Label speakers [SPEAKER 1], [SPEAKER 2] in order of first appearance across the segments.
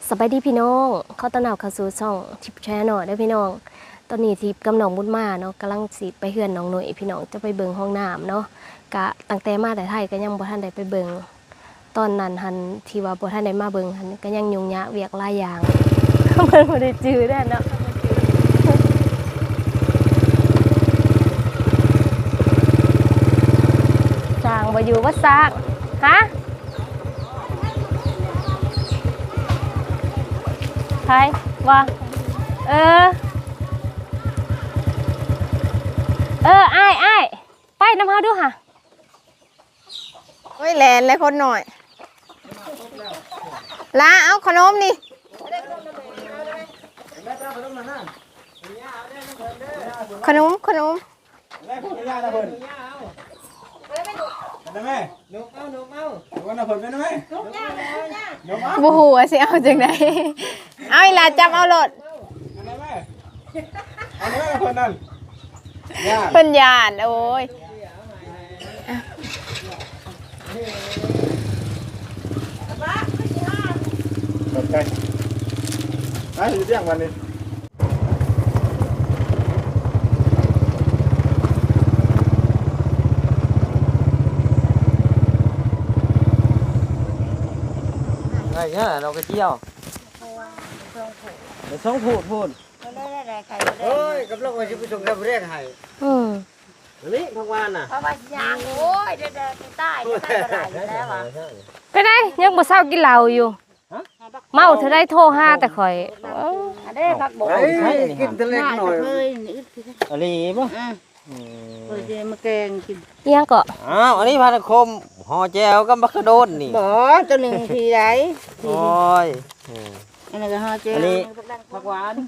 [SPEAKER 1] สบายดีพี่น้องเขาต้อนรับเข้าสู่ช่องทิปแชร์หน่อยได้พี่น้องตอนนี้ทิปกำลังมุดมาเนาะกำลังสิไปเฮือนน้องหน่อยพี่น้องจะไปเบิ่งห้องน้ำเนาะกะตั้งแต่มาแต่ไทยก็ยังบ่ทันได้ไปเบิ่งตอนนั้นหันที่ว่าบ่ทันได้มาเบิ่งหันก็ยังยุ่งยากเวียกหลายอย่าง มันบ่ได้จื้อได้เนาะสร้างบ่อยู่ว่าสร้างฮะใครว่าอ้ายไปน้ำเฮาดูค่ะ
[SPEAKER 2] โอ้ยแลนเลยคนหน่อยลาเอาขนมนี่ขนมบูหัวสิเอาจังไดเอาอีหลาจับเอาโลดเพิ่นย่านโอ้ย
[SPEAKER 3] ขอบใจอยู่เที่ยงวันนี้
[SPEAKER 4] ไงเนี่ยเราไปเที่ยวไปส่งพูดเฮ้ยกับเราจะไปส่งกับเรียกให้นี่พักวานน่ะเพราะว่ายางโอ้ย
[SPEAKER 1] เด็ดๆใต้แล้วว่ะไปได้ยังบ่เช้ากินเหล้าอยู่เมาเธอได้โทรหาแต่ข่อย
[SPEAKER 4] ได้พักบ่กินทะเลหน่อยอะไรบ่เฮ้ยมาแกงกิน
[SPEAKER 1] เอียงก็
[SPEAKER 4] อ้าวอันนี้พันคมห่อแจวกับมะขะโดนนี่
[SPEAKER 2] บ่ตัวหนึ่งทีไหน
[SPEAKER 4] โอ้ย
[SPEAKER 2] อันนี้ก็ห่อแจว
[SPEAKER 4] อันนี้ผักหวาน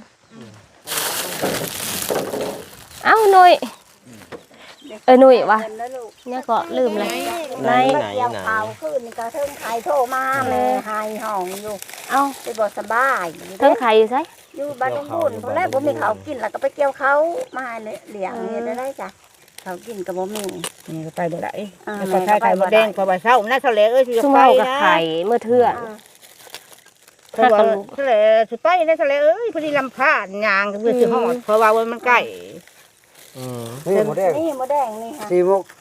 [SPEAKER 1] เอ้าหนุ่ยหนุ่ยวะเนี่ยก็ลืมเลย
[SPEAKER 4] ไหน
[SPEAKER 2] ข่าวขึ้นนี่ก็เทิงไข่โทรมาแม่หายห้องอยู่เอ้าไปบ่สบาย
[SPEAKER 1] เทิงไข่อยู่ไส
[SPEAKER 2] อยู่บ้านลุงบุญพอแรกบ่มีข้าวกินแล้วก็ไปเกี่ยวเขามาเลี้ยงนี่ได้จ้ะเขากินก็บ่มี
[SPEAKER 5] นี่ก็ไปบ่ได้ก็ใช้ไข่มดแดงพอบ่เช้าน่าทะเลสิจะไป
[SPEAKER 1] นะไข่เมื่อเทื่อ
[SPEAKER 5] เพราะว่าทะเลสิไปในทะเลพอดีลำพานยางเพื่อสิฮอดเพราะว่ามันใกล้
[SPEAKER 4] นี่หมดแดง
[SPEAKER 2] นี่ค่ะ
[SPEAKER 4] 4 มุก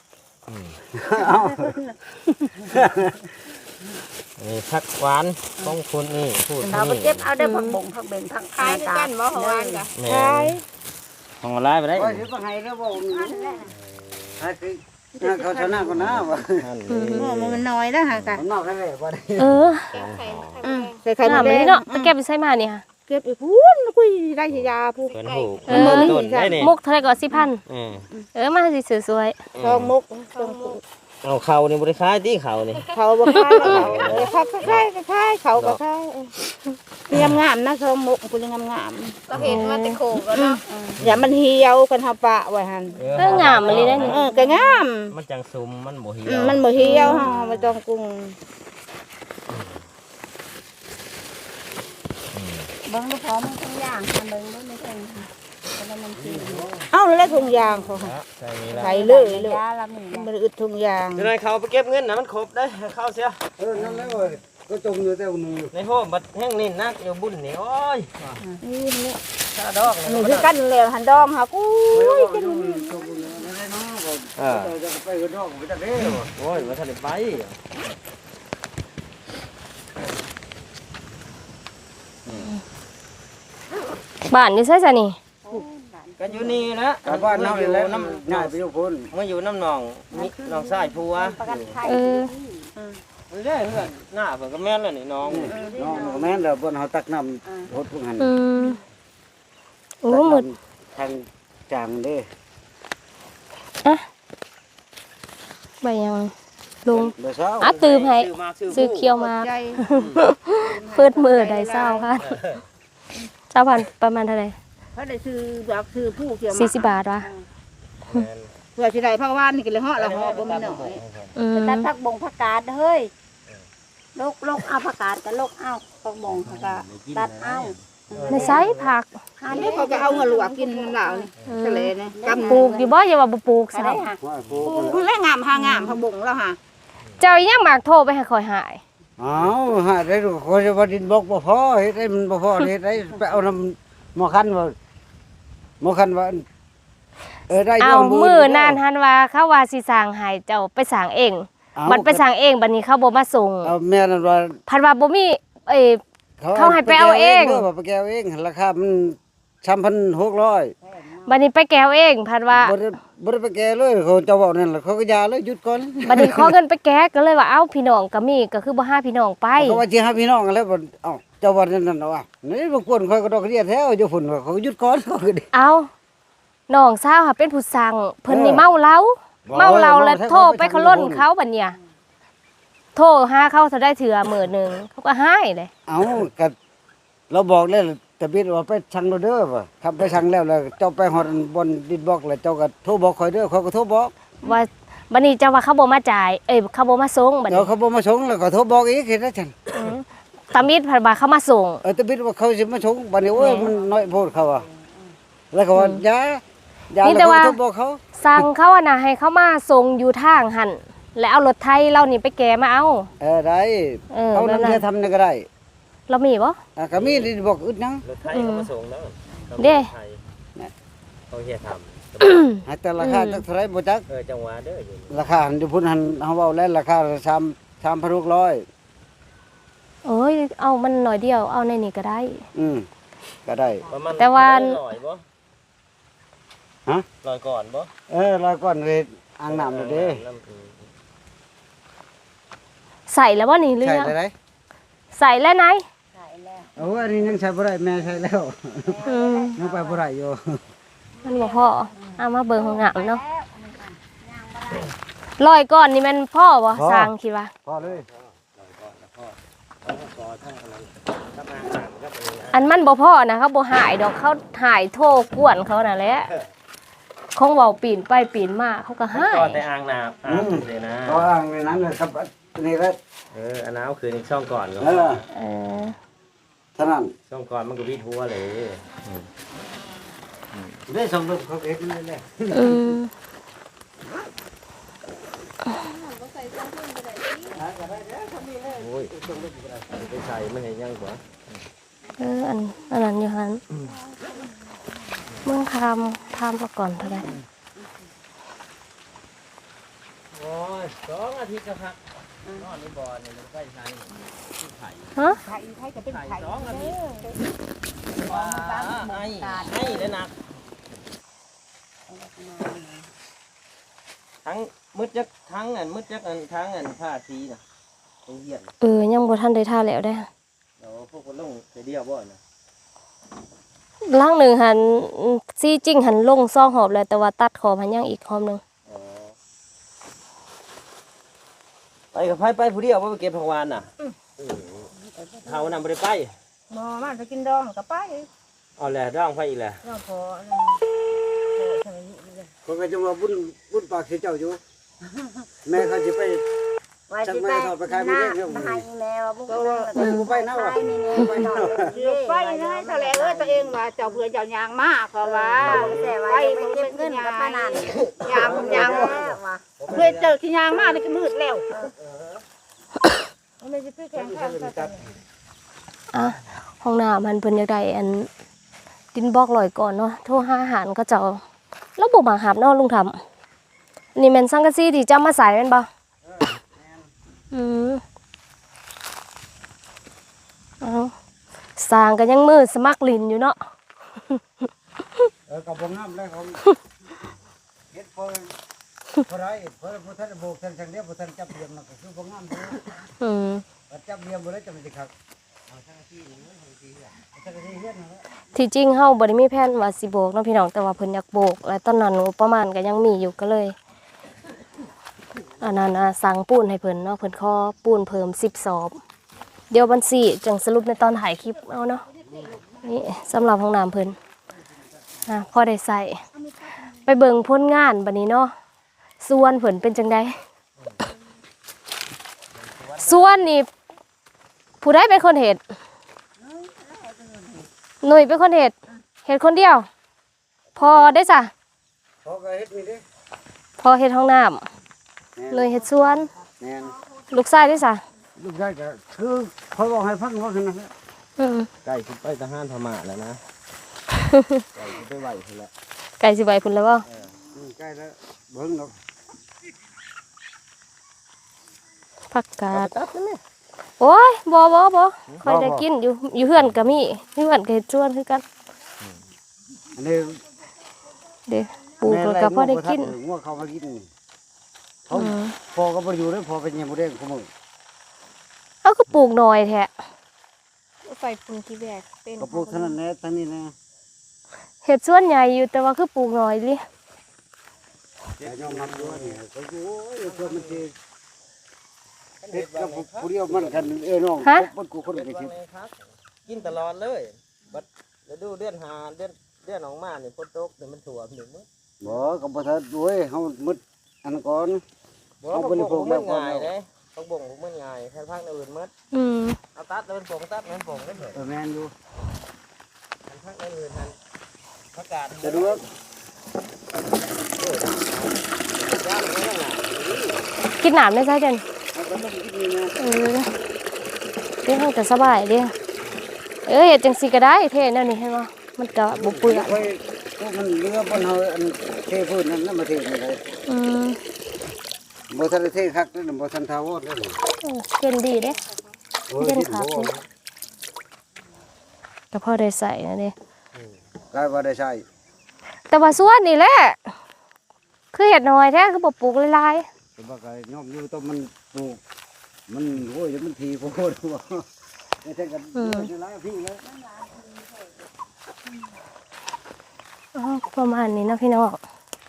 [SPEAKER 4] นี่ผักหวานของคุณนี่พูด
[SPEAKER 2] เอาไปเก็บเอาได้ผักบ่งผักเบงผัก
[SPEAKER 5] ขายกันบ่ของหวานจ้ะ
[SPEAKER 4] ขายของอะไรไปได้
[SPEAKER 5] โอ้ยสิบ่ให้แล้วบ่
[SPEAKER 4] เขาชนะก็น่าว่ะ
[SPEAKER 5] มันน้อยนะฮะกะ
[SPEAKER 4] นอกได้บ่ได้
[SPEAKER 5] ใส่ไข่มดแดง
[SPEAKER 1] เนาะไปเก็บไปใส่มานี่ค่ะ
[SPEAKER 5] เก็บไปพูนคุยได้สิยาพู
[SPEAKER 4] เพิ่นฮู้
[SPEAKER 1] ต้นได้นี่มุกเท่าไหร่ก็ 4,000มาสิสวย
[SPEAKER 5] ๆ2มุก
[SPEAKER 4] เอาเขานี่บ่ได้ขายติเขานี่
[SPEAKER 5] เขาบ่ขายเขาขายเขาก็ขายงามนะ2มุกกูงาม
[SPEAKER 2] ก็เห็นว่าแต่โคก็เนาะ
[SPEAKER 5] อย่ามันเหี่ยวกันเฮาปะไว้หั่น
[SPEAKER 1] งามมันเลยได้นี่
[SPEAKER 5] ก็งาม
[SPEAKER 4] มันจังซุมมันบ่เหี่ยว
[SPEAKER 5] มันบ่เหี่ยวเฮาบ่ต้องกุ้ง
[SPEAKER 2] เบิ่งบ่พอมันทุกอย่างค่ะเบิ่งบ่ไม่เป็นค่ะแล้วมันสิ
[SPEAKER 5] เอ้าแล้วถุงยางเขาใส่เลยมันอึดถุงยาง
[SPEAKER 4] จะได้เขาไปเก็บเงินน่ะมันครบได้เข้าเสีย
[SPEAKER 3] นั่นแล้วก็จมอยู่แต่นึง
[SPEAKER 4] ในโฮมบัดแห้งนี่นักอยู่บุญนี่โอ้ย
[SPEAKER 5] นี่นี่
[SPEAKER 4] ถ้าดอก
[SPEAKER 5] นี่คือกันแล้วหันดองหากูกิน
[SPEAKER 3] จะไปกระดอกไปจักเด้
[SPEAKER 4] โอ้ยว่าทันได้ไป
[SPEAKER 1] บ้านอยู่ไสซะนี่
[SPEAKER 4] ก็อยู่นี่นะ
[SPEAKER 3] บ้านน้ำแล้วน้ำง่ายไปอยู่พุ่น
[SPEAKER 4] มาอยู่น้ำหนองน้องชายผัวมันได้เพื่อนหน้าเพิ่นก็แม่นแล้วนี่น้อง
[SPEAKER 3] แม่นแล้วเพิ่นเฮาตักน้ำรถพวกหัน
[SPEAKER 1] โอ้หมด
[SPEAKER 3] ทางจางเด้
[SPEAKER 1] ใบยังลุงตื่มให้ซื้อเคียวมาเปิดมือได้เศร้าค่ะ20,000ประมาณเท่าไหร่
[SPEAKER 5] เขาได้ซื้อแบบซื้อผู้เคียว
[SPEAKER 1] มา40 บาทวะ
[SPEAKER 5] เพื่อสิได้ผักหวานนี่ก็เลยเหาะละเหาะบ่มีน้อย
[SPEAKER 2] ตัดผักบ่งผักกาดเฮ้ยลกเอาผักกาดก็ลกเอาผักบ่งผักกาดตัดเอา
[SPEAKER 1] ในไซผัก
[SPEAKER 5] อันนี้เขาก็เอามาลวกกินน้ำเหล้านี่ทะเลนี่
[SPEAKER 1] กำปลูกอยู่บ่อย่าว่าบ่ปลูกซะ
[SPEAKER 5] ปลูกแล้วงามหางามผักบ่งแล้วค่ะ
[SPEAKER 1] เจ้ายังมักโทรไปให้ข่อยหาย
[SPEAKER 4] อ้าวหาได้ดูเขาจะว่าดินบอกบ่พอเฮ็ดได้มันบ่พอเฮ็ดได้ไปเอาน้ำหมอคันว่าหมอคันว่าได้
[SPEAKER 1] เอามือนั่นหันว่าเขาว่าสิสร้างให้เจ้าไปสร้างเองบัดไปสร้างเองบัดนี้เขาบ่มาส่ง
[SPEAKER 4] เอาแม่นั่นว่า
[SPEAKER 1] พันว่าบ่มีเขาให้ไปเอาเอง
[SPEAKER 4] ไปแก้วเองราคามัน3,600
[SPEAKER 1] บัดนี้ไปแก้วเองพันว่า
[SPEAKER 4] บ่ได้ไปแก้เลยเขาเจ้าเว้านั่นล่ะเขาก็ยาเลยหยุดก่อน
[SPEAKER 1] บัดนี้ขอเงินไปแก้ก็เลยว่าเอ้าพี่น้องก็มีก็คือบ่หาพี่น้องไป
[SPEAKER 4] เขาว่าสิหาพี่น้องกันแล้วบ่เอ้าเจ้าว่านั่นน่ะว่านี่บ่ควรค่อยก็ดอกเรียแท้อยู่พุ่นเขาก็หยุดก่อนเขาก็ดิ
[SPEAKER 1] เอาน้องสาวค่ะเป็นผู้สั่งเพิ่นนี่เมาเหล้าแล้วโทรไปเขาล้นเขาบัดเนี่ยโทรหาเขาเท่าได้เถื่อมื้อนึงเขาก็ให้เลย
[SPEAKER 4] เอาก็เราบอกแล้วแต่บิดว่าไปสั่งโลเด้อว่าครับไปสั่งแล้วเจ้าไปฮอดบนดินบอกแล้วเจ้าก็โทรบอกข่อยเด้อข่อยก็โทรบอก
[SPEAKER 1] ว่าบัดนี้เจ้าว่าเขาบ่มาจ่ายเขาบ่มาส่งบัด
[SPEAKER 4] เดี๋ยว
[SPEAKER 1] นี้
[SPEAKER 4] เขาบ่มาส่งแล้วก็โทรบอกอีกเฮ็ดได้จัง
[SPEAKER 1] ตามิดพันว่าเขามาส่ง
[SPEAKER 4] แต่บิดว่าเขาสิมาส่งบัดนี้โอ้ยมันน้อยโพดเขาอ่ะแล้วก็ว่าอย่าแล้วก็โทรบอกเขา
[SPEAKER 1] สั่งเขาอะนะให้เขามาส่งอยู่ทางหันแล้วเอารถไทยเรานี่ไปแกมาเอา
[SPEAKER 4] ได้ เอาน้ำเรือทำนี่ก็ได้
[SPEAKER 1] เรามีบ่
[SPEAKER 4] ก็มีดินบอกอึดนัง
[SPEAKER 3] รถไทยเขามาส่งแล้ว
[SPEAKER 1] เด้
[SPEAKER 3] เขาเฮียทำ
[SPEAKER 4] ให้แต่ราคาจักเท่าไหร่บ่จัก
[SPEAKER 3] จังหวะเด้ออยู่
[SPEAKER 4] ราคาอยู่พุ่นหันเฮาเว้าแล้วราคา3,600
[SPEAKER 1] โอ้ยเอามันหน่อยเดียวเอาในนี่ก็ได้
[SPEAKER 4] ก็ได้
[SPEAKER 1] แต่ว่า
[SPEAKER 3] ลอยบ่
[SPEAKER 4] ฮะ
[SPEAKER 3] ลอยก่อนบ่
[SPEAKER 4] แล้วก่อนเลยอ่างน้ำเด้
[SPEAKER 1] ใส่แล้วบ่นี่เรื
[SPEAKER 4] ใช่
[SPEAKER 1] อ
[SPEAKER 4] ได้
[SPEAKER 1] ใส่แล้วไหน
[SPEAKER 2] ใส่แล้ว
[SPEAKER 4] โอ้อันนี้ยังใช้บ่ได้แม่ใช้แล้ว
[SPEAKER 1] อืม
[SPEAKER 4] ยังไปบ่ได้อยู่
[SPEAKER 1] มันบ่พอเอามาเบิ่งของงามเนาะลอยก่อนนี่มันพ่อบ่สร้างคิดว่า
[SPEAKER 4] พอเลย
[SPEAKER 1] อันมันบ่พ่อนะเขาบ่หายดอกเขาหายโทรกวนเขาน่ะแหละคงเว้าปีนไปปีนมาเขาก็หาย
[SPEAKER 3] ก็แต่อ่างน้ำเลยนะ
[SPEAKER 4] ก็อ่างในนั้นเลยครับนี่แหละ
[SPEAKER 3] อันน้ำคือในช่องก่อนก็
[SPEAKER 1] เออ
[SPEAKER 4] เท่านั้น
[SPEAKER 3] ช่องก่อนมันก็วิดหัวเลย
[SPEAKER 4] ได้สมรสเขาเฮ็ดนั่นแหละ
[SPEAKER 1] อืม
[SPEAKER 3] โอ้ยไปใส่มันเห็นยังกว่า
[SPEAKER 1] อันนั้นอยู่หันเมืองทำซะก่อนเท่าไหร่
[SPEAKER 3] โอ้ย2 อาทิตย์ก็พักนอนในบ่อเนี่ยมันใกล้ใช้
[SPEAKER 1] ฮะ
[SPEAKER 5] ไข่ก็เป็นไข่
[SPEAKER 3] 2 อาทิตย์ว้าให้เลยนะทั้งมืดจักทั้งมืดจักทั้งผ้าสีน่ะตรงเหี้ยน
[SPEAKER 1] ยังบ่ทันได้ท่าแล้วได้
[SPEAKER 3] เดี๋ยวพวกคนลงไปเดียวบ่นะ
[SPEAKER 1] ล่างหนึ่งหันซี่จริงหันลงซ่องหอบเลยแต่ว่าตัดขอบหันยังอีกหอบหนึง
[SPEAKER 3] ไปกับไผไปผู้เดียวบ่ไปเก็บผักหวานน่ะเฮานำบ่ได้ไป
[SPEAKER 5] บ่มาจะกินดองก็ไป
[SPEAKER 3] เอาแหละร้องไผอีกแหละ
[SPEAKER 5] น้องพอ
[SPEAKER 4] คนก็จะมาบุญปากสิเจ้าอยู่แม่เขาสิไป
[SPEAKER 2] ไว้ที่ไปมาให้แม่ว่าบุกไปนะว่านี่ๆไปหน่อย
[SPEAKER 5] ไปนะทะเลตัวเองว่าเจ้าเพื่อเจ้ายางมากเพราะว่า
[SPEAKER 2] แต่ว่าไปเก็บเงินกับป้านัน
[SPEAKER 5] ยางเพื่อเจอที่ยางมากนี่ก็มืดแล้วไม่ใช่พี่แข็งข้างกัน
[SPEAKER 1] อ่ะห้องน้ำมันเพิ่นอยากได้อันดินบล็อกลอยก่อนเนาะโทรหาอาหารก็เจ้าแล้วบ่มาหับเนาะลุงทำนี่แม่นสังกะสีที่จะมาใส่แม่นบ่เอาสร้างก็ยังมือสมัครลินอยู่เนาะ
[SPEAKER 4] กับบ่งามแล้วของเฮ็ดพอได้พอท่านโบกท่านจังเดียวบ่ท่านจับเรียมมันก็คือบ่งามอยู่จับเรียมบ่ได้จะมันสิคักเอาสังกะสีนี่สังกะสีเฮ็ดนั่นแหละ
[SPEAKER 1] ที่จริงเฮาบ่ได้มีแผนว่าสิโบกเนาะพี่น้องแต่ว่าเพิ่นอยากโบกและตอนนั้นงบประมาณก็ยังมีอยู่ก็เลยอันนั้นสั่งปูนให้เพิ่นเนาะเพิ่นขอปูนเพิ่ม10 ซอบเดี๋ยวบัญชีจังสรุปในตอนถ่ายคลิปเอาเนาะนี่สำหรับห้องน้ำเพิ่นพอได้ใส่ไปเบิ่งผลงานบัดนี้เนาะส่วนเพิ่นเป็นจังไดส่วนนี่ผู้ใดเป็นคนเฮ็ดหนุ่ยเป็นคนเฮ็ดคนเดียว พอได้จ้ะ
[SPEAKER 4] พอก็เฮ็ดนี่เด้
[SPEAKER 1] พอเฮ็ดห้องน้ำหนุ่ยเฮ็ดสวน
[SPEAKER 4] แม่น
[SPEAKER 1] ลูกชายได้จ้ะ
[SPEAKER 4] ลูกชายก็คือเขาบอกให้ฟังว่าคือนะ
[SPEAKER 1] อืม
[SPEAKER 3] ไก่สิไปทหารพม่าแล้วนะไก่สิไปไหวพุ่นละ
[SPEAKER 1] ไก่สิใบพุ่นแล้วบ่
[SPEAKER 4] ใกล้แล้วเบิ่งดอก
[SPEAKER 1] ผักกาด
[SPEAKER 3] ตัดนั่นแหละ
[SPEAKER 1] โอ้ยบ่ค่อยได้กินอยู่เฮือนก็มีอยู่เฮือนก็เฮ็ดสวนคือกัน
[SPEAKER 4] อันนี้
[SPEAKER 1] เด้ปลูกแล้วก็พอได้กิน
[SPEAKER 4] งัวเขามากินเขา
[SPEAKER 1] อืม
[SPEAKER 4] พอก็บ่อยู่แล้วพอเป็นยังบ่ได้ของมึง
[SPEAKER 1] เอาก็ปลูกหน่อยแท้ไฟพุ่นที่แบกเป็น
[SPEAKER 4] ก็ปลูกเท่านั้นแหละทั้งนี้นะ
[SPEAKER 1] เฮ็ดสวนใหญ่อยู่แต่ว่าคือปลูกหน่อยดิ
[SPEAKER 4] แต่ยอมรับด้วยนี่ก็อยู่โอ้ยเพื่อมันสิเฮ็ดกับผู้เดียวมันกันน้องคนกูคนก็สิ
[SPEAKER 3] กินตลอดเลยบัดฤดูเดือนหาเดือนออกมาเนี่ยฝนตกเดี๋ยวมันถ่วมถึงมื้อ
[SPEAKER 4] บ่ก็บ่ทันด้วยเฮามึดอันก่อน
[SPEAKER 3] บ่ผักบ่งมันง่ายเด้ผักบ่งมันง่ายแค่พักอื่นมื้อ
[SPEAKER 1] อืม
[SPEAKER 3] เอาตัดแล้วเป็นผงตัดมันผงได้เถอะ
[SPEAKER 4] แม่นอยู่
[SPEAKER 3] พักอื่นนั่นประกาศ
[SPEAKER 4] จะดูว่า
[SPEAKER 3] ย่างมันง่าย
[SPEAKER 1] กินน้ำได้ซะจัง
[SPEAKER 4] มันก็ต้องกินนี่นะ
[SPEAKER 1] เด้เฮาก็สบายเด้เฮ็ดจังซี่ก็ได้เท่แนวนี้เห็นบ่มันก็บ่เปื้อน
[SPEAKER 4] ไว้พวกมันเรือบนเฮาอันเทพื้นนั่นน่ะมาเทนี่เลย
[SPEAKER 1] อืม
[SPEAKER 4] บ่ทันได้เทคักนั่นบ่ทันทาวอดนั่น
[SPEAKER 1] เย็นดีเด้
[SPEAKER 4] โอ้ย
[SPEAKER 1] เย็นคักเด้ก็พอได้ใส่นะเด้
[SPEAKER 4] กลายว่าได้ใช้
[SPEAKER 1] แต่ว่าสวนนี่แหละคือเฮ็ดน้อยแท้คือบ่ปลูกหลาย
[SPEAKER 4] แต่ว่าก็ยอมอยู่ต้องมันปลูกมันโอ้ยมันทีโพดว่าแต่ถ้ากันอยู่หลายพี่แล้ว
[SPEAKER 1] ๆอ๋อประมาณนี้เนาะพี่น้อง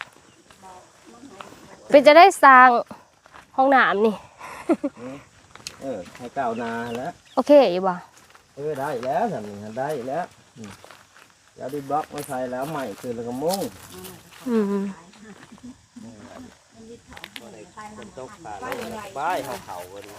[SPEAKER 1] เป็นจะได้สร้างห้องน้ำนี่
[SPEAKER 3] ให้ก้าวหน้าแล้ว
[SPEAKER 1] โอเคอยู่บ่
[SPEAKER 3] ได้แล้วทำนี่ได้แล้วแล้วดิบล็อกมาใส่แล้วใหม่คือแล้วก็มุ้ง
[SPEAKER 1] อืม
[SPEAKER 3] ฝนตกผ่านแล้วป้ายเขาๆกัน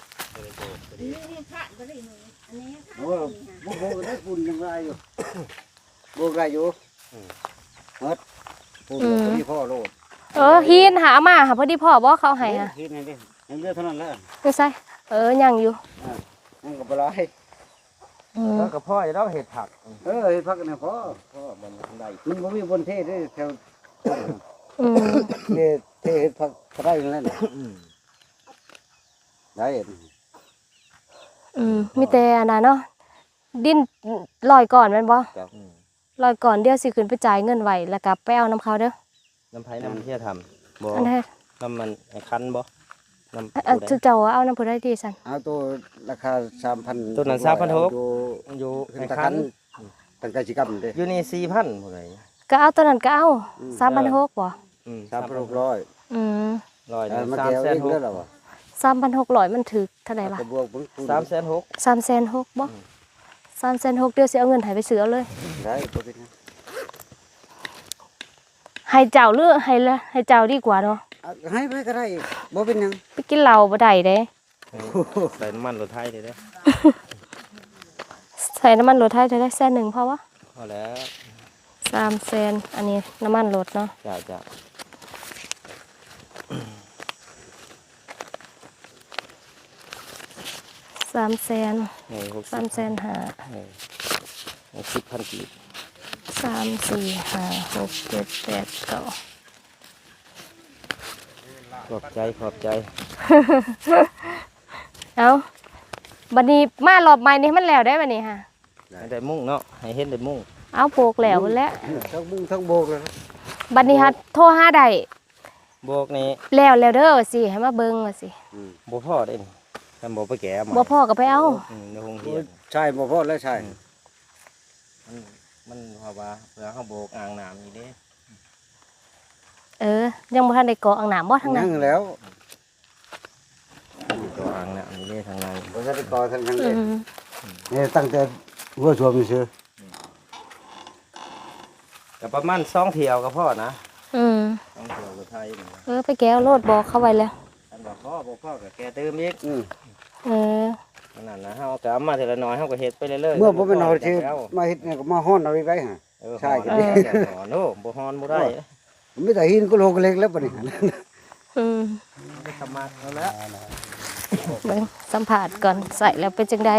[SPEAKER 4] โอ้โหได้ปุ่นยังไรอยู่โบกไรอยู่เฮ็ดปุ่นพอดีพ่อโลด
[SPEAKER 1] ฮีนหามาหาพอดีพ่อบ่เขาให้อ่ะ
[SPEAKER 4] เฮ็ดนี่ดิยังเลือเท่านั้นแหละ
[SPEAKER 1] ไม่ใช่ยังอยู่
[SPEAKER 4] มันก็บ่หลาย
[SPEAKER 3] แล้วก็พ่อจะต้องเห็ดผัก
[SPEAKER 4] เฮ็ดพักนี่พอ
[SPEAKER 3] พ่อมันได้
[SPEAKER 4] มันบ่มีบนเทศเด้แถว
[SPEAKER 1] อืม
[SPEAKER 4] เทศพักได้นั่นแหละได้
[SPEAKER 1] มีแต่อันนั้นเนาะดินลอยก่อนแม่นบ่ลอยก่อนเดี๋ยวสิขึ้นไปจ่ายเงินไว้แล้วก็ไปเอาน้ำเขาเด้อ
[SPEAKER 3] น้ำไผ่น้ำเที่ยทำบ่
[SPEAKER 1] อันนั้น
[SPEAKER 3] น้ำมันคันบ่น้ำ
[SPEAKER 1] เจ้าเอาน้ำผู้ใดดีซั่น
[SPEAKER 4] เอาตัวราคา 3,000
[SPEAKER 3] ตัวนั้น3,600อยู่
[SPEAKER 4] ขึ้น
[SPEAKER 3] ไอ้
[SPEAKER 4] ตะ
[SPEAKER 3] คั
[SPEAKER 4] คั
[SPEAKER 3] น
[SPEAKER 4] นตั้งแต่สิกรรมเด้
[SPEAKER 3] อยู่นี่4,000ผู้ใด
[SPEAKER 1] ก็เอาตัวนั้นก็เอา3,600บ่
[SPEAKER 4] 3,600
[SPEAKER 1] อืม
[SPEAKER 3] ร้อย
[SPEAKER 4] มาแก้วเองเด้อ
[SPEAKER 3] 3,600
[SPEAKER 4] ล่ะบ่
[SPEAKER 1] 3,600มันถึกเท่าไหร่ล่ะ
[SPEAKER 4] ก็บวกบุญ
[SPEAKER 3] 3,600
[SPEAKER 1] 3,600บ่3,600เดี๋ยวสิเอาเงินให้ไปซื้อเอาเลย
[SPEAKER 4] ได้บ่เป็น
[SPEAKER 1] ให้เจ้าหรือให้เจ้าดีกว่าเนาะ
[SPEAKER 4] ให้ไปก็ได้บ่เป็นหยัง
[SPEAKER 1] ไปกินเหล้าบ่ได้เด้
[SPEAKER 3] ใส่น้ำมันรถไทยเด้อ
[SPEAKER 1] ใส่น้ำมันรถไทยจะได้100,000พอวะ
[SPEAKER 3] พอแล้ว
[SPEAKER 1] 300,000อันนี้น้ำมันรถเนาะ
[SPEAKER 3] จ้ะ
[SPEAKER 1] 300,000
[SPEAKER 3] นี่
[SPEAKER 1] 3,500
[SPEAKER 3] 60,000กีบ
[SPEAKER 1] 3 4 5 6 7 8 9
[SPEAKER 3] ขอบใจ
[SPEAKER 1] เอาบัดนี้มารอบใหม่นี่มันแล้วได้บัดนี้ฮะ
[SPEAKER 3] ให้ได้มุ่งเนาะให้เห็นได้มุ่ง
[SPEAKER 1] เอาโปกแล้วพุ่นแหล้ว
[SPEAKER 4] ทั้งบุ้งทั้งโบกเลย
[SPEAKER 1] บัดนี้ฮัดโทรหาได้
[SPEAKER 3] โบกนี่
[SPEAKER 1] แล้วเด้อว่าสิให้มาเบิ่งว่าสิ
[SPEAKER 3] บ่พอได้นี่ถ้าบ่ไปแก้มา
[SPEAKER 1] บ่พอก็ไปเอา
[SPEAKER 3] ในโรงเรียน
[SPEAKER 4] ใช่บ่พอแล้วใช่
[SPEAKER 3] มันเพราะว่าเพื่อเฮาโบกอ่างน้ำนี่เด้
[SPEAKER 1] ยังบ่ทันได้กรอกอ่างน้ำบ่ทางนั้
[SPEAKER 4] ยั
[SPEAKER 1] น
[SPEAKER 4] งแล้ว
[SPEAKER 3] ตัวอ่างน้ำนี่เด้ทางใน
[SPEAKER 4] บ่ทันได้ก่อทันยัง
[SPEAKER 1] อื
[SPEAKER 4] เลย
[SPEAKER 1] ม
[SPEAKER 4] นี่ตั้งแต่หัวสวมนี่ซื่อ
[SPEAKER 3] ก็ประมาณ2เที่ยวก็พอนะ
[SPEAKER 1] อืม
[SPEAKER 3] 2เที่ยวรถไทยนี่
[SPEAKER 1] ไปแก้วโลดบอกเข้าไว้แล้ว
[SPEAKER 3] อันบ่พอก็แก้เติมอีก
[SPEAKER 1] เออ
[SPEAKER 3] นั่นนะเฮาก็เอามาทีละน้อยเฮาก็เฮ็ดไปเรื่อยๆ
[SPEAKER 4] เมื่อบ่เป็นเอาที่มาเฮ็ดนี่ก็มาฮ้อนเอาอีกได้ฮะ ใช่
[SPEAKER 3] ก็
[SPEAKER 4] ก็
[SPEAKER 3] ดี
[SPEAKER 4] ดี
[SPEAKER 3] โน่บ่ฮอนบ่ได้
[SPEAKER 4] มีแต่หินก็โลกเล็กแล้วบัดนี้
[SPEAKER 1] อืม
[SPEAKER 3] ไปทำมาแล้ว
[SPEAKER 1] เบิ่งสัมผัสก่อนใส่แล้วเป็นจังได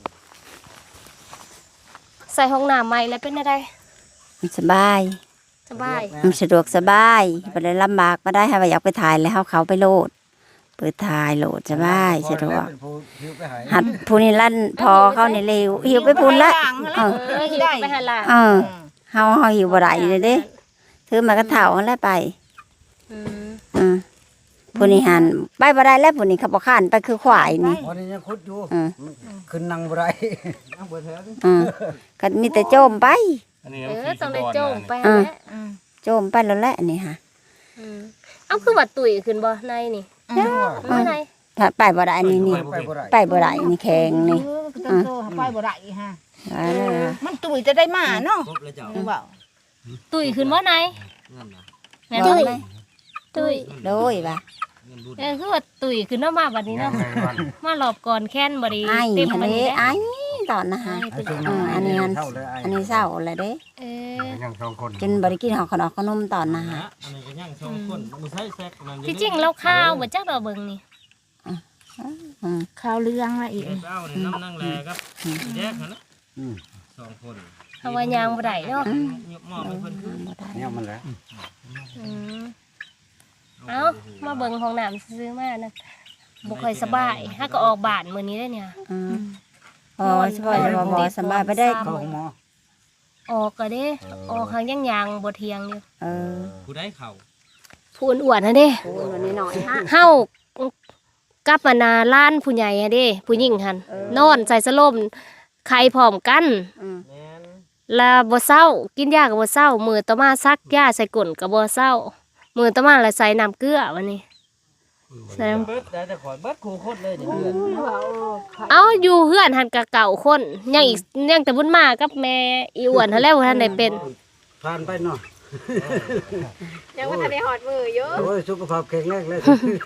[SPEAKER 1] ใส่ห้องน้ำใหม่แล้วเป็นจังได
[SPEAKER 2] มันสบาย
[SPEAKER 1] สบาย
[SPEAKER 2] มันสะดวกสบายบ่ได้ลำบากบ่ได้ให้ว่าอยากไปถ่ายแล้วเขาไปโหลดเปิดถ่ายโหลดสบายสะดวก
[SPEAKER 4] เป็นผู้หิวไปหาย
[SPEAKER 2] หัดผู้นี่ลั่นพอเขานี่เร็วหิวไปพุ่นละเออ
[SPEAKER 1] หิวไปหาหลาน
[SPEAKER 2] เออเฮาหิวบ่ได้เลยเด้ถือมากระเถาแล้วไป
[SPEAKER 1] อืม
[SPEAKER 2] อืมผู้นี่หันไปบ่ได้แล้วผู้นี่เขาบ่ข้านไปคือควายนี่
[SPEAKER 4] วันนี้ยังคุดอยู่
[SPEAKER 2] อืม
[SPEAKER 4] ขึ้นนั่งบ่ได้
[SPEAKER 3] นั่งเบิดแถวนี่
[SPEAKER 2] อืมก็มีแต่โจมไป
[SPEAKER 6] อันนี้
[SPEAKER 1] ต้องได้โจมไป
[SPEAKER 2] อื
[SPEAKER 1] หาม แหละ
[SPEAKER 2] โจมไปแล้วแหละนี่ฮะ
[SPEAKER 1] อืมเอาคือว่าตุ๋ยขึ้นบ่ในนี่บ่ใน
[SPEAKER 2] ถ้าไปบ่ได้นี่นี่
[SPEAKER 4] ไปบ่ได้
[SPEAKER 2] ไปบ่ได้นี่แข็งนี่
[SPEAKER 5] ต้องโตไปบ่ได้ฮะ
[SPEAKER 2] ว่าแล้วนะ
[SPEAKER 5] มันตุ๋ยจะได้มาเนาะ
[SPEAKER 3] ครบแล้วเจ้า
[SPEAKER 5] เว้า
[SPEAKER 1] ตุ๋ยขึ้นบ่ใน
[SPEAKER 3] เงินนะ
[SPEAKER 1] แม่นบ่ตุ๋ย
[SPEAKER 2] โดยว่า
[SPEAKER 3] เงินบุญ
[SPEAKER 1] คือว่าตุ๋ยขึ้นเนาะมาบัดนี้เนาะมารอบก่อนแค้นบ่ดี
[SPEAKER 2] ไอ้
[SPEAKER 1] เต็ม
[SPEAKER 2] ทะ
[SPEAKER 1] บั
[SPEAKER 2] เล
[SPEAKER 1] ดนี้
[SPEAKER 2] ไอ้ตอนนะฮะ
[SPEAKER 1] ไอ้ตุ๋ย
[SPEAKER 2] อันนี้
[SPEAKER 4] เท่าเลยไอ้
[SPEAKER 2] อันนี้เศร้าเลยเด้
[SPEAKER 1] เออ
[SPEAKER 6] ยังสองคน
[SPEAKER 2] จนบ่ได้กินหอขนมขนมตอนนะฮะ
[SPEAKER 3] อันนี้ก็ย่างสองคนมันใช้แซกมัน
[SPEAKER 1] ที่จริงเราข้าวบ่จักดอกเบิ่งนี่
[SPEAKER 2] อืม
[SPEAKER 5] ข้าวเรื่องละอีก
[SPEAKER 3] เจ้าเนี่ยน้ำนั่งแลครับแยกกันนะ
[SPEAKER 4] อืม
[SPEAKER 3] สองคน
[SPEAKER 1] เอาว่ายางบ่ได้เนาะ
[SPEAKER 3] ยกหม้อไปเพิ่นคือ
[SPEAKER 2] บ่ได้
[SPEAKER 4] เนี่ยมันแหละ
[SPEAKER 1] อืมเอามาเบิ่งห้องน้ำซื้อมานะบ่ค่อยสบายถ้าก็ออกบ้านมื้อนี้ได้เนี่ย
[SPEAKER 2] อืมอ๋อสบายบ่สบายไปได้
[SPEAKER 4] เข้าหมอ
[SPEAKER 1] ออกก็เด้ออกหางยังยางบ่เทียงอยู่
[SPEAKER 2] เออ
[SPEAKER 3] ผู้ได้เข่า
[SPEAKER 1] ผู้อ้วนๆนะเด้
[SPEAKER 2] โอ้ยวันนี้หน่อยฮะ
[SPEAKER 1] เฮากับอานาล้านผู้ใหญ่อะเด้ผู้หญิงหั่นนอนใส่สลมไข่พร้อมกัน
[SPEAKER 2] อืม
[SPEAKER 3] แม่น
[SPEAKER 1] แล้วบ่เศร้ากินยาก็บ่เศร้ามื้อต่อมาซักยาใส่ก้นก็บ่เศร้ามื้อต่อมาแล้วใส่น้ำเกลือวันนี้ใส่น้ำ
[SPEAKER 3] เบิดได้แต่ขอยเบิดคู่คนเลยเดี๋ยวเดือน
[SPEAKER 1] เอาอยู่เฮือนหันกะเก่าคนยังอีกยังแต่บุญมากับแม่อีอ้วนหั่นแหล้วท่านได้เป็น
[SPEAKER 4] ผ่านไปเนาะ
[SPEAKER 1] ยังบ่ทันได้ฮอดมืออยู่
[SPEAKER 4] โอ้ยสุขภาพแข็งแรงเลย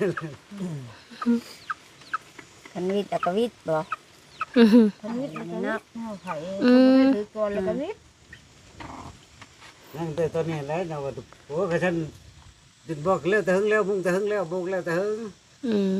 [SPEAKER 2] คันวิทย์แล้วก็วิทย์บ่
[SPEAKER 5] ทำนิดเนาะไผ
[SPEAKER 1] อืม
[SPEAKER 5] ถือก่อนแล้วก็นิด
[SPEAKER 4] นั่งแต่ตอนนี้แล้วนะว่าโอ้กระชันดินบอกแล้วแต่หึงแล้วมุ่งแต่หึงแล้วบุกแล้วแต่หึง
[SPEAKER 1] อืม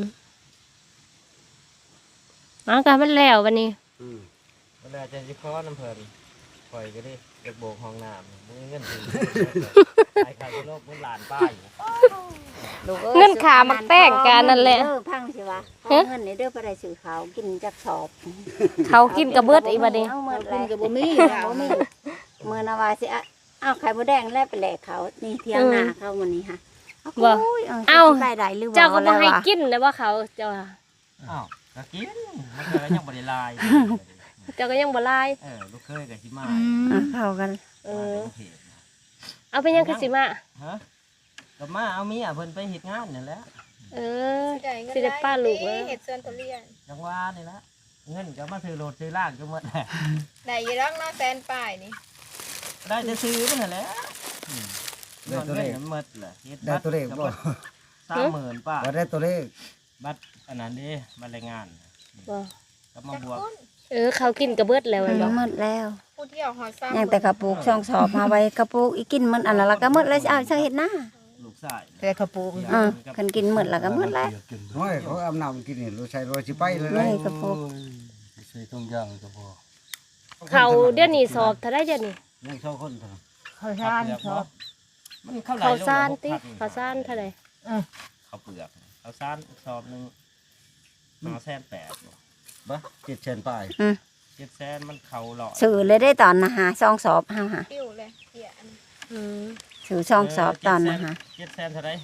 [SPEAKER 1] เอากันมันแล้ววันนี้
[SPEAKER 3] เวลาจะสิขอน้ำเพิ่นข่อยก็ได้เด็กโบกห้องน้ำมึงเงินถึงไอ้ข้าวโลกมึงหลานป้าย
[SPEAKER 2] ลูกอ้ย
[SPEAKER 1] เงินขามักแป้งกันนั่นแหละ
[SPEAKER 2] เด้อพังสิวะเอาเงินนี่เด้อไปได้ซื้อข้าวกินจักสอบ
[SPEAKER 1] เขากินกระเบิดอีบัดนี้
[SPEAKER 2] เอาเมื่อ
[SPEAKER 5] กิ
[SPEAKER 2] ไร
[SPEAKER 5] นก็บ่มี
[SPEAKER 2] บ่มีเมื่อนาวาสิอะเอาไข่มดแดงแล้วไปแหลกเขานี่เที่ยงหน้าเขาวันนี้ค่ะ
[SPEAKER 1] บ่
[SPEAKER 2] โอ้ย
[SPEAKER 1] เอา
[SPEAKER 2] ได้ได้หรือ
[SPEAKER 1] เจ้าก็บ่
[SPEAKER 2] แล้ว
[SPEAKER 1] ให้
[SPEAKER 2] วะ
[SPEAKER 1] กินนะว่าเขาเจ้าว่า
[SPEAKER 3] อ้าวก็กินมันก็ยังบ่ได้ลาย
[SPEAKER 1] เจ้าก็ยังบ่ลาย
[SPEAKER 3] ลูกเคยกับสิมา
[SPEAKER 2] อ่ะเข้ากัน
[SPEAKER 1] เออเอาไปยังคือสิมา
[SPEAKER 3] ฮะก็มาเอาเมียเพิ่นไปเฮ็ดงานนี่แหละ
[SPEAKER 1] เออสิได้ป้าลูกแล้ว
[SPEAKER 7] เห็ดส่วนทุเรียน
[SPEAKER 3] จังหวะนี่ละเงินก็มาซื้อรถซื้อล่างก็หมดแหละ
[SPEAKER 7] ได้อยี่รักเนาะแซนป่ายนี่
[SPEAKER 3] ได้จะซื้อนั่นแหละเงินเงินหมดแหละเฮ็ด
[SPEAKER 4] ได้
[SPEAKER 3] บัตร
[SPEAKER 4] ตัวเลขบ่
[SPEAKER 3] 30,000ป้า
[SPEAKER 4] ว่าได้ตัวเลข
[SPEAKER 3] บัตรอันนั้นเด้บัตรแรงงาน
[SPEAKER 1] บ่
[SPEAKER 3] ก็มาบวก
[SPEAKER 1] เออเขากินกระเบิดแล้ว
[SPEAKER 2] มั
[SPEAKER 1] แม่
[SPEAKER 2] น
[SPEAKER 1] นบ่
[SPEAKER 2] หมดแล้ว
[SPEAKER 7] ผู้เที่ยวหอซ้ำ
[SPEAKER 2] ยังแต่กระปุกช่องสอบมาไว้กระปุกอีกินมันอันนั้นละก็หมดแล้วสิเอาจังเฮ็ดหน้า
[SPEAKER 3] ลูกชาย
[SPEAKER 5] แต่ข้าวปู
[SPEAKER 2] คันกินหมดแล้วก็หมดแล้ว
[SPEAKER 4] น้อยเขาอาบน้ำกินนี่รู้ใช้รอยสิไปเลย
[SPEAKER 2] นี่
[SPEAKER 4] นะ
[SPEAKER 2] กระปุก
[SPEAKER 6] ใส่ทุงย่างก็พอ
[SPEAKER 1] เขาเดี๋ยวนี้สอบเท่าได้เดี๋ยวนี้
[SPEAKER 4] ยังสองคนเท่านั้น
[SPEAKER 5] ข้าวสารชอบ
[SPEAKER 3] มันเข้าไหล
[SPEAKER 1] เขาซ่านติเขาซ่านเท่าใด
[SPEAKER 3] เขาเปลือกเขาซ่านสอบนึง5,800,000
[SPEAKER 4] บ่700,000ป้าย
[SPEAKER 3] 700,000มันเข้าหล่อ
[SPEAKER 2] สื่อเลยได้ตอนนะฮะช่องสอบเฮาฮะ
[SPEAKER 7] ปิ้วเลยเหี้ยอัน
[SPEAKER 1] อืม
[SPEAKER 2] สื่อช่องสอบตอนนะฮะ
[SPEAKER 3] 700,000เท่าไหร่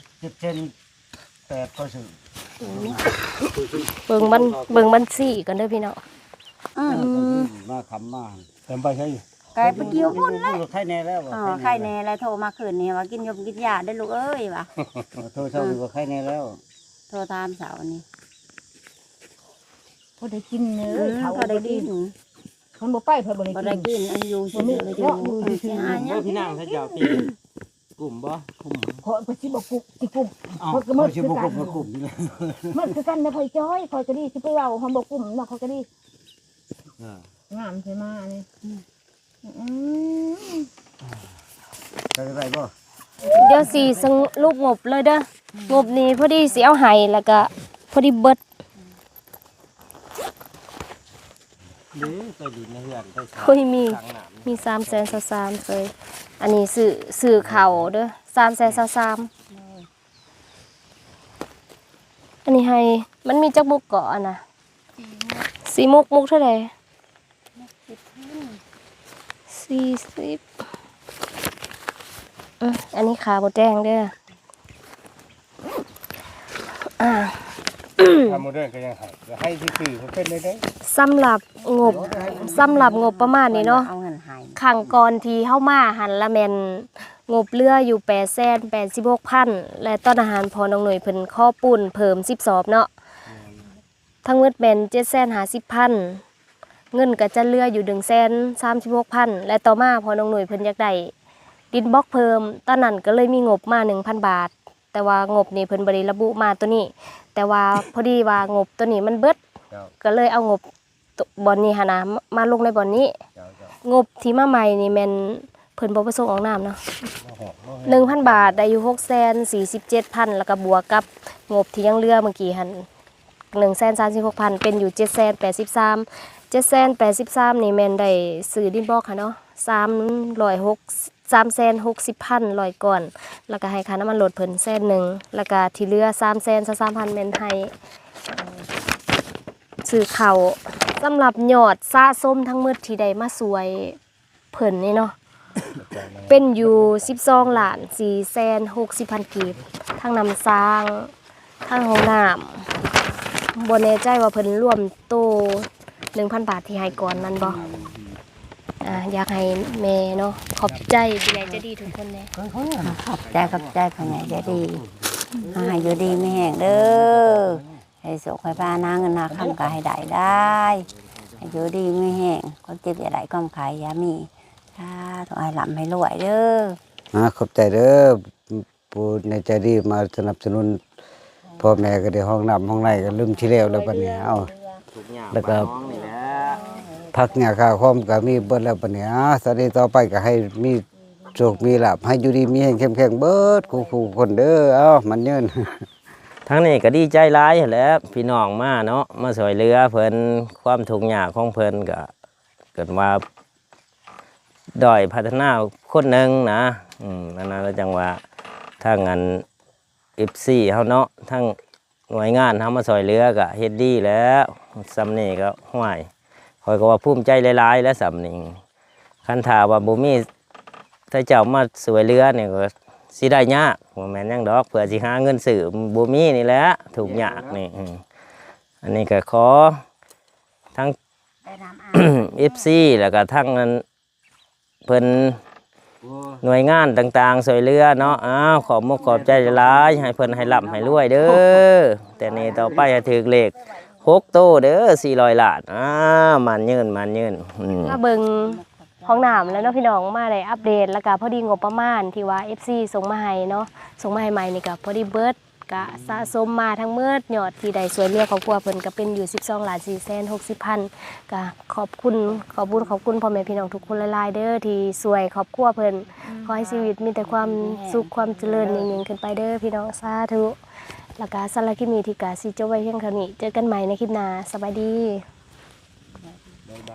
[SPEAKER 4] 7,800ก็ซื้อ
[SPEAKER 1] เบิ่งมันสี่ก่อนเด้อพี่น้อง
[SPEAKER 4] มาคำมา
[SPEAKER 6] เต็มไปใช่
[SPEAKER 2] กลายเป็นเกี่ยวพุ่นแล้ว
[SPEAKER 4] ไข่แน่แล้ว
[SPEAKER 2] อ๋อไข่แน่แล้วโทรมาคืนนี้ว่ากินยมกินยาได้อลูกเอ้ยว่ะ
[SPEAKER 4] โทรศัพท์ว่าไข่แน่แล้ว
[SPEAKER 2] โทรตามสาวนี้
[SPEAKER 5] พอได้กินเนื้อ
[SPEAKER 2] เขา
[SPEAKER 5] เขา
[SPEAKER 2] ได้
[SPEAKER 5] ได้
[SPEAKER 2] กิ
[SPEAKER 5] กิ
[SPEAKER 2] น
[SPEAKER 5] นคนบ่ไปเพิ่นบ่
[SPEAKER 2] บ่
[SPEAKER 5] ได้
[SPEAKER 2] ได้
[SPEAKER 5] กิน
[SPEAKER 2] กินอายุสิเลยอยู่สิหาหยั
[SPEAKER 3] โอ้
[SPEAKER 2] ง
[SPEAKER 3] พี่นางถ้าเจ้าตีกลุ่มบ่กลุ่ม
[SPEAKER 5] ขอไปสิบ่กุกสิกุม
[SPEAKER 4] อ้าว
[SPEAKER 5] เขาก็มืด
[SPEAKER 4] สิ
[SPEAKER 5] คือ
[SPEAKER 4] บ่
[SPEAKER 5] กั
[SPEAKER 4] ก
[SPEAKER 5] น
[SPEAKER 4] บกลุ่มนี่เลย
[SPEAKER 5] มันคือกันนะพ่อยจ้อยคอยก็ดีสิไปเว้าเฮาบ่กุมเนาะเขาก็ดี
[SPEAKER 4] อ่า
[SPEAKER 5] งามใช่มานี่อืม
[SPEAKER 4] จะได้บ่
[SPEAKER 1] เดี๋ยวสิสรุปงบเลยเด้องบนี้พอดีสิเอาให้แล้วก็พอดีเบิด
[SPEAKER 3] หรือไปดินในเฮือนไป
[SPEAKER 1] เฮ้ยมี
[SPEAKER 3] ทางน้ำ
[SPEAKER 1] มี333,000เคยอันนี้ซื้อเขาเด้อ333,000อันนี้ให้มันมีจักมุกเกาะอะนะสีมุกเท่าไหร่40อันนี้ขาบดแดงเด้อ
[SPEAKER 6] ทำโมเดิร์นก็ยังให้ซื่อๆมันเป็นได้
[SPEAKER 1] สำหรับงบประมาณนี้เนาะ
[SPEAKER 2] เอาเงินให้
[SPEAKER 1] ขังก่อนที่เข้ามาหันละแมนงบเรืออยู่886,000และต้นอาหารพอน้องหน่วยเพิ่นข้อปุ่นเพิ่ม10สอบเนาะทั้งหมดเป็น750,000เงินก็จะเรืออยู่136,000และต่อมาพอน้องหน่วยเพิ่นอยากได้ดินบล็อกเพิ่มตอนนั้นก็เลยมีงบมา 1,000 บาทแต่ว่างบนี่เพิ่นบ่ได้ระบุมาตัวนี้แต่ว่าพอดีว่างบตัวนี้มันเบิดก็เลยเอางบบอนนี้หนนะมาลงในบอนนี้งบที่มาใหม่นี่แม่นเพิ่นบ่ประสงค์ออกนามเนาะ 1,000 บาทได้อยู่647,000แล้วก็บวกกับงบที่ยังเหลือเมื่อกี้หั่น136,000เป็นอยู่783,000นี่แม่นได้ซื้อดินบล็อกค่ะเนาะ360,000 100ก่อนแล้วก็ให้ค่าน้ำมันรถเพิ่น100,000แล้วก็ที่เหลือ333,000แม่นให้ซื้อข้าวสำหรับยอดสะสมทั้งหมดที่ได้มาสวยเพิ่นนี่เนาะเป็นอยู่12,460,000กีบทั้งน้ำสร้างทั้งห้องน้ำบ่แน่ใจว่าเพิ่นรวมโต 1,000 บาทที่ให้ก่อนนั้นบ่อยากให้แม่เนาะขอบใจผู้ใหญ่ใจดีทุกคนเลย
[SPEAKER 2] ขอบใจพ่อใหญ่ใจดีให้อยู่ดีไม่แห้งเด้อให้สุขให้พานาเงินนาคำก็ให้ได้ให้อยู่ดีไม่แห้งคนเจ็บอย่าได้ก้มขายอย่ามีถ้าต้องให้หลับให้รวยเด้อ
[SPEAKER 4] ขอบใจเด้อผู้ในใจดีมาสนับสนุนพ่อแม่ก็ได้ห้องน้ำห้องในก็ลืมที่แล้วแล้วบัดนี้เอา
[SPEAKER 3] ทุกอย่าง
[SPEAKER 4] แล้วก็
[SPEAKER 3] บ้านน้องนี่แหละ
[SPEAKER 4] พักหญ้าข้าวคอมก็มีเบิดแล้วบัดนี้สวัสดีต่อไปก็ให้มีโชคมีลาภให้อยู่ดีมีแรงเข้มแข็งเบิดคู่ๆคนเด้อมันยืน
[SPEAKER 3] ทั้งนี้ก็ดีใจร้ายแหล้วพี่น้องมาเนาะมาสวยเรือเพิ่นความทุกข์ยากของเพิ่นก็เกิดมาด้อยพัฒนาคนหนึ่งนะนั่นนะแล้วจังว่าถ้างานFCเฮาเนาะทั้งหน่วยงานเฮามาสวยเรือก็เฮ็ดดีแล้วสำนี้ก็ห้วยคอยก็ว่าภูมิใจหลายๆแล้วสำนี้คันถาว่าบ่มีถ้าเจ้ามาสวยเรือเนี่ยก็สิได้ยากบ่แม่นหยังดอกเพื่อสิหาเงินซื้อบ่มีนี่แหละถูกยากนี่อันนี้ก็ขอทั้ง FC แล้วก็ทั้งเพิ่นหน่วยงานต่างๆสวยเรือเนาะขอบมุกขอบใจหลายให้เพิ่นให้ร่ำให้รวยเด้อแต่นี่ต่อไปให้ถึกเลข6โตเด้อ400ล้านมันยืน
[SPEAKER 1] มาเบิ่งห้องน้ำแล้วเนาะพี่น้องมาได้อัปเดตแล้วก็พอดีงบประมาณที่ว่า FC ส่งมาให้เนาะส่งมาให้ใหม่นี่ก็พอดีเบิดก็สะสมมาทั้งหมดยอดที่ได้สวยเรียกครอบครัวเพิ่นก็เป็นอยู่12,460,000ก็ขอบคุณพ่อแม่พี่น้องทุกคนหลายๆเด้อที่สวยครอบครัวเพิ่นขอให้ชีวิตมีแต่ความสุขความเจริญยิ่งๆขึ้นไปเด้อพี่น้องสาธุแล้วก็สำหรับคลิปนี้ที่กะสิจบไว้เพียงเท่านี้เจอกันใหม่ในคลิปหน้าสวัสดี